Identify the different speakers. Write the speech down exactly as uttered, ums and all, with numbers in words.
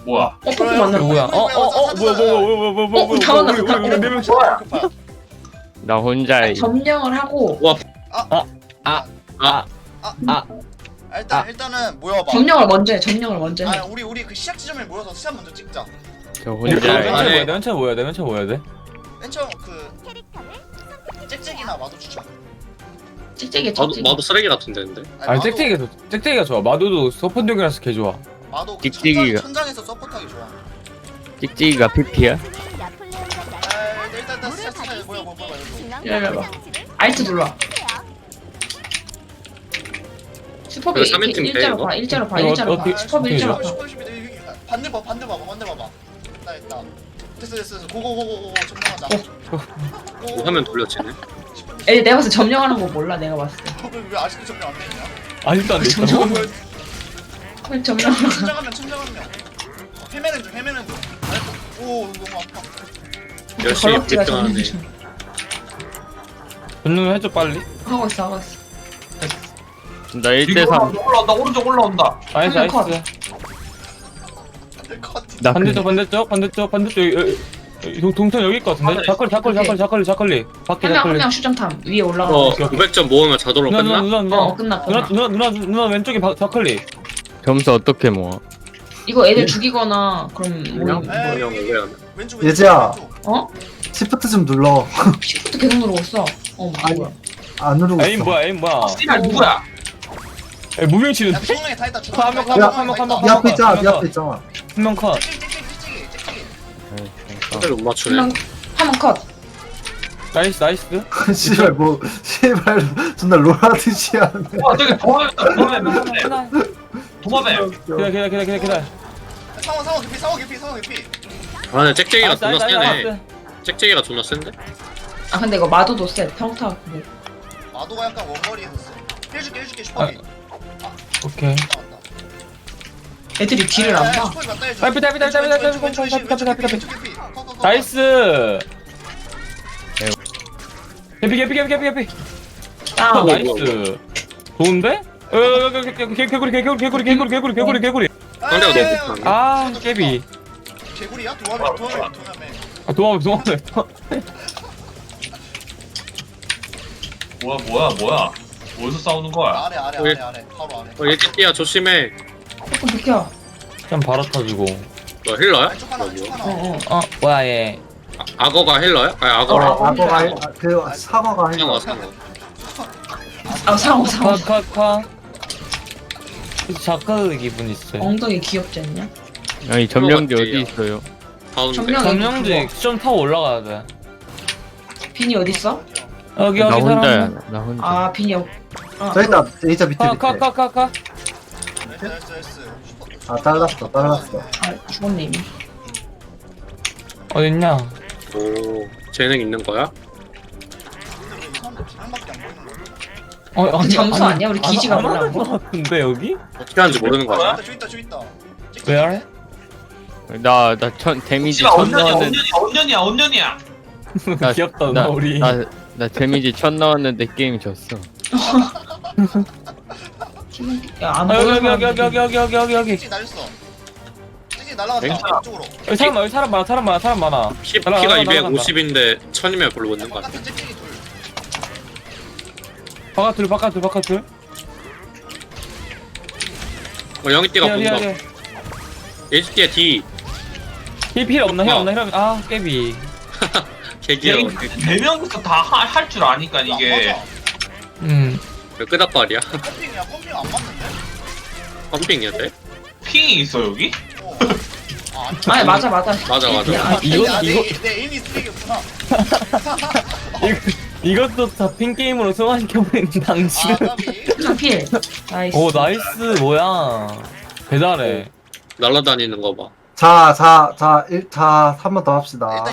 Speaker 1: 뭐야?
Speaker 2: 어, 포크 만났다.
Speaker 3: 누구야? 어, 어, 어, 뭐야, 뭐야, 뭐야, 뭐야, 뭐야,
Speaker 2: 어, 다 만났어, 다
Speaker 3: 우리 네명
Speaker 2: 만났어.
Speaker 4: 나 혼자
Speaker 2: 점령을 하고
Speaker 3: 아, 아, 아,
Speaker 5: 일단
Speaker 3: 아.
Speaker 5: 일단은 모여봐.
Speaker 2: 점령을 먼저 해. 점령을 먼저 해.
Speaker 5: 아 우리 우리 그 시작 지점에 모여서 시작 먼저 찍자.
Speaker 4: 저
Speaker 3: 우리
Speaker 4: 혼자
Speaker 3: 맨 처음
Speaker 1: 아니.
Speaker 3: 뭐야 돼? 맨 처음 뭐야 돼? 맨 처음 뭐야 돼?
Speaker 5: 맨 처음 그 짹짹이나 마도 추천.
Speaker 2: 찍찍이
Speaker 6: 마도,
Speaker 2: 찍찍이.
Speaker 6: 마도 쓰레기 같은데 근데
Speaker 3: 아니,
Speaker 5: 마도-
Speaker 3: 짹짹이가 좋, 짹짹이가 좋아. 마도도 서폰력이라서 개 좋아.
Speaker 5: 마도 그
Speaker 4: 찍찍이가.
Speaker 5: 천장, 천장에서 서포트하기 좋아.
Speaker 4: 찍찍이가 피피야?
Speaker 5: 아 일단 일단 시작 시작 모여 모여 모여.
Speaker 2: 기다려봐. 알트 눌러. 슈퍼비
Speaker 6: 그래, 삼 인칭 돼,
Speaker 2: 일자로
Speaker 6: 이거?
Speaker 2: 봐. 일자로 봐.
Speaker 3: 이거
Speaker 2: 일자로 봐.
Speaker 3: 어떻게-
Speaker 2: 슈퍼비 일자로 봐.
Speaker 5: 반대 봐 반대 봐봐 반대 봐봐. 나 있다. 됐어 됐어 됐어. 고고고고고 점령하자.
Speaker 6: 뭐 화면 돌려치네.
Speaker 2: 애 내가 봤을 때 점령하는 거 몰라. 내가 봤을 때.
Speaker 5: 왜 아직도 점령 안 되냐?
Speaker 3: 아직도 안 돼.
Speaker 2: 점령. 왜 점령하는 거?
Speaker 5: 천장하면 천장하면. 헤매는 중 헤매는 중. 아이고, 오 너무 아파.
Speaker 6: 열심히
Speaker 2: 걸럭지가
Speaker 6: 불편하네.
Speaker 2: 점령 중.
Speaker 3: 분노 해줘 빨리.
Speaker 2: 하고 있어 하고 있어.
Speaker 4: 나 일 대 삼.
Speaker 1: 올라온다 오른쪽 올라온다.
Speaker 3: 나이스,
Speaker 2: 한 명
Speaker 3: 나이스.
Speaker 5: 컷.
Speaker 4: 나
Speaker 3: 반대쪽, 반대쪽, 반대쪽, 반대쪽. 여기, 여기, 여기 동, 동선 여기 있을 것 같은데? 자컬리, 자컬리, 자컬리, 자컬리, 자컬리. 밖에
Speaker 2: 한 명 한
Speaker 3: 자컬리.
Speaker 2: 명 수정탐 위에 올라가.
Speaker 6: 어
Speaker 3: 오케이, 오케이.
Speaker 6: 오백 점 모으면 자동으로
Speaker 3: 누나, 누나,
Speaker 6: 끝나?
Speaker 3: 누나, 누나.
Speaker 2: 어 끝났다.
Speaker 3: 누나, 누나, 누나, 누나 왼쪽에 바, 자컬리.
Speaker 4: 점수 어떻게 모아?
Speaker 2: 이거 애들 죽이거나 그럼 뭐
Speaker 6: 그냥 그냥 왜 안?
Speaker 5: 왼쪽
Speaker 7: 예지야.
Speaker 5: 왼쪽.
Speaker 2: 어?
Speaker 7: 시프트 좀 눌러.
Speaker 2: 시프트 계속 누르고 있어. 어
Speaker 7: 아니,
Speaker 2: 뭐야?
Speaker 7: 안 누르고
Speaker 3: 에임
Speaker 7: 있어.
Speaker 3: 뭐야, 에임 뭐야.
Speaker 1: 씨발 누구야?
Speaker 3: 에, 무빙
Speaker 5: 야
Speaker 3: 치는데?
Speaker 5: 중앙에 다 있다.
Speaker 3: 한
Speaker 5: 중앙에
Speaker 3: 명,
Speaker 5: 다
Speaker 3: 한
Speaker 5: 있다.
Speaker 3: 명, 한 명, 한 명,
Speaker 7: 네 앞에 있잖아, 네
Speaker 3: 한
Speaker 7: 앞에 있잖아.
Speaker 3: 한 명 컷.
Speaker 5: 찍찍찍찍찍 찍찍.
Speaker 6: 상대를 못 맞추네.
Speaker 2: 한명한명 컷.
Speaker 3: 나이스, 나이스.
Speaker 7: 씨발 뭐 씨발 존나 롤하듯이 하네.
Speaker 1: 와 저기 도마뱀 도마뱀 도마뱀.
Speaker 3: 기다려, 기다려, 기다려, 기다려, 기다려.
Speaker 5: 상어 상어 개피 상어 개피 상어 개피.
Speaker 6: 아 근데 짹짹이가
Speaker 3: 나이스,
Speaker 6: 존나
Speaker 3: 나이스,
Speaker 6: 세네.
Speaker 3: 나이스.
Speaker 6: 짹짹이가 존나 센데?
Speaker 2: 아 근데 이거 마도도 세. 평타. 뭐.
Speaker 5: 마도가 약간 원거리에서 써. 해줄게 해줄게 슈퍼비.
Speaker 3: 오케이.
Speaker 5: 나왔다.
Speaker 2: 애들이 뒤를 안 봐.
Speaker 5: 슈퍼비 맞다 해줘.
Speaker 3: 빨리, 빨리, 빨리, 빨리, 빨리,
Speaker 5: 왼쪽,
Speaker 3: 빨리,
Speaker 5: 왼쪽,
Speaker 3: 빨리,
Speaker 5: 왼쪽,
Speaker 3: 빨리, 빨리,
Speaker 5: 왼쪽, 왼쪽, 왼쪽, 컷, 컷, 컷.
Speaker 3: 나이스. 개피, 개피, 개피, 개피, 개피.
Speaker 2: 다운.
Speaker 3: 아, 나이스. 좋은데? 어, 여기, 여기, 여기, 개구리, 개구리, 개구리, 개구리, 개구리, 개구리, 개구리.
Speaker 6: 상대가
Speaker 5: 에이,
Speaker 6: 너무 못하네.
Speaker 3: 아, 깨비.
Speaker 5: 개구리야? 도마뱀 도마뱀 도마뱀.
Speaker 3: 아, 도망가, 도망가.
Speaker 1: 뭐야 뭐야 뭐야? 어디서 싸우는 거야?
Speaker 5: 아래 아래
Speaker 6: 왜?
Speaker 5: 아래 아래 바로 아래.
Speaker 6: 어 얘띠야 조심해.
Speaker 2: 조금 비켜.
Speaker 3: 좀 바로 터지고.
Speaker 6: 너 힐러야?
Speaker 5: 왼쪽 하나
Speaker 6: 너
Speaker 5: 왼쪽
Speaker 6: 뭐?
Speaker 5: 하나.
Speaker 2: 어어.
Speaker 3: 어, 뭐야, 얘.
Speaker 6: 아, 악어가 힐러야? 아니 악어라.
Speaker 2: 어,
Speaker 7: 악어가 해- 아, 그 사과가 해.
Speaker 6: 상어 상어.
Speaker 2: 아 상어 상어.
Speaker 3: 컷, 컷, 컷. 작가의 기분 있어요.
Speaker 2: 엉덩이 귀엽지 않냐?
Speaker 4: 아니 점령지 어디
Speaker 6: 들어갔지.
Speaker 4: 있어요?
Speaker 6: 가운데.
Speaker 2: 점령-
Speaker 3: 점령지 좀 타고 올라가야 돼.
Speaker 2: 빈이 어디 있어?
Speaker 3: 여기,
Speaker 4: 나
Speaker 3: 여기
Speaker 4: 혼자야.
Speaker 3: 사람.
Speaker 4: 나 혼자.
Speaker 2: 아 빈이 여. 아,
Speaker 7: 저 있다. A자 밑에
Speaker 3: 컷,
Speaker 7: 밑에.
Speaker 3: 컷, 컷, 컷, 컷.
Speaker 5: 나이스 나이스 나이스.
Speaker 7: 아 잘랐어, 잘랐어.
Speaker 2: 아 죽었네 이미.
Speaker 3: 어딨냐?
Speaker 6: 오 재능 있는 거야?
Speaker 5: 근데 왜이 사람들 두 명밖에 안 보이는 거야?
Speaker 3: 어, 아니,
Speaker 2: 점수
Speaker 3: 아니,
Speaker 2: 아니야? 우리
Speaker 3: 안-
Speaker 2: 기지가
Speaker 3: 안
Speaker 2: 몰라,
Speaker 3: 하는
Speaker 2: 뭐?
Speaker 3: 것 같은데, 여기?
Speaker 6: 어떻게 하는지 모르는 거 아니야?
Speaker 5: 저기 있다 저기 있다.
Speaker 3: Where?
Speaker 4: 나나천 데미지
Speaker 1: 씨발
Speaker 4: 천
Speaker 1: 언년이야
Speaker 4: 넣었는데
Speaker 1: 언년이야 언년이야 언년이야.
Speaker 4: 나-
Speaker 3: 귀엽다,
Speaker 4: 나-
Speaker 3: 나, 우리.
Speaker 4: 나, 나 데미지 천 넣었는데 게임 졌어.
Speaker 2: 야안
Speaker 3: 아, 여기,
Speaker 2: 보여.
Speaker 3: 여기, 여기, 여기, 여기, 여기, 여기, 여기, 여기.
Speaker 5: 찍찍 날렸어. 찍찍 날라갔다.
Speaker 1: 괜찮아.
Speaker 5: 이쪽으로.
Speaker 3: 여기 사람 많아, 여기 사람 많아, 사람 많아, 사람 많아.
Speaker 6: 피,
Speaker 3: 날아가,
Speaker 6: 피가
Speaker 3: 날아가,
Speaker 6: 이백오십인데 천이면 별로 못 넣는 거 아니야?
Speaker 5: 바깥에 찍찍이 둘.
Speaker 3: 바깥둘, 바깥둘, 바깥둘.
Speaker 6: 어 영희띠가
Speaker 3: 뒤에, 뒤에,
Speaker 6: 본다.
Speaker 3: 뒤에.
Speaker 6: 예지띠야 D.
Speaker 3: 힐 필요 없나, 힐 없나, 힐 없나. 아, 깨비.
Speaker 6: 개귀여워.
Speaker 1: 네 명이서 다 할 줄 아니까 이게.
Speaker 5: 맞아.
Speaker 3: 음.
Speaker 6: 왜 끄덕거리야?
Speaker 5: 펌핑이야 펌핑 안 맞는데?
Speaker 6: 펌핑이야 돼?
Speaker 1: 핑이 있어 여기?
Speaker 5: 어. 아 아니.
Speaker 2: 아니 맞아 맞아.
Speaker 6: 맞아 맞아.
Speaker 2: 야,
Speaker 3: 이거-
Speaker 5: 야,
Speaker 3: 이거-
Speaker 5: 내, 내 에임이 쓰레기였구나.
Speaker 3: 이것도 다 핑게임으로 승화시켜버리는 당신.
Speaker 5: 아 까비.
Speaker 2: 필. 나이스.
Speaker 3: 오, 나이스, 뭐야. 배달해.
Speaker 6: 날라다니는 거 봐.
Speaker 7: 자, 자, 자, 일, 자, 한 번 더 합시다.